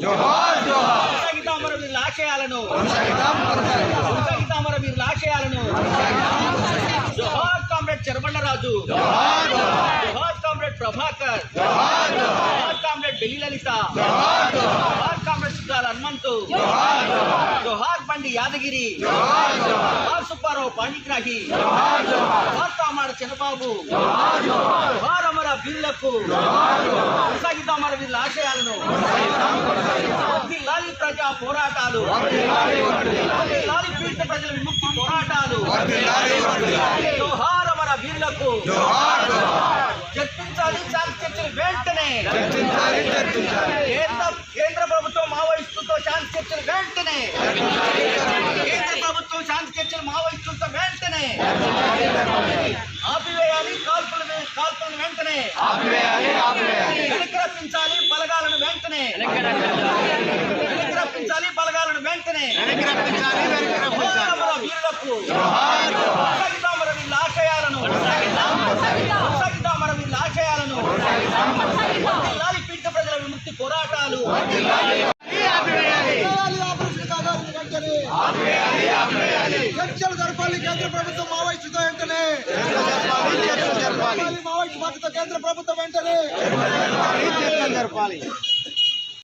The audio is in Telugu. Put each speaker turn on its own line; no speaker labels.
కొనసాగిద్దాం అమరవీరుల ఆశయాలను. కొనసాగిద్దాం అమరవీరుల ఆశయాలను. జోహార్ కామ్రేడ్ చెరబండరాజు. జోహార్ కామ్రేడ్ ప్రభాకర్. జోహార్ కామ్రేడ్ బెల్లి లలిత. జోహార్ కామ్రేడ్ సుద్దాల హనుమంతు. జోహార్ బండి యాదగిరి. జోహార్ సుబ్బారావు పాణిగ్రాహి. జోహార్ తామాడ చంద్రబాబు. జోహార్ అమర వీరులకు. కొనసాగిద్దాం అమరవీరుల ఆశయాలను. వర్ధిల్లాలి ప్రజా పోరాటాలు. వర్ధిల్లాలి పీడిత ప్రజల విముక్తి పోరాటాలు. జోహార్ అమర వీరులకు. చర్చించాలి శాంతి చర్చలు వెంటనే. కేంద్ర ప్రభుత్వం మావోయిస్టులతో శాంతి చర్చలు వెంటనే. కేంద్ర ప్రభుత్వం శాంతి చర్చలు మావోయిస్టులతో వెంటనే ఆపివేయాలి. కాల్పులను వెంటనే వెనక్కి రప్పించాలి. బలగాలను వెంటనే వెనక్కి రప్పించాలి. బలగాలను వెంటనే వీరులకు. కొనసాగిద్దాం అమరవీరుల ఆశయాలను. కొనసాగిద్దాం అమరవీరుల ఆశయాలను. వర్ధిల్లాలి పీడిత ప్రజల విముక్తి పోరాటాలు.
చర్చలు జరపాలి కేంద్ర ప్రభుత్వం మావోయిస్టుతో వెంటనే. మావోయిస్టు పార్టీతో కేంద్ర ప్రభుత్వం వెంటనే జరపాలి.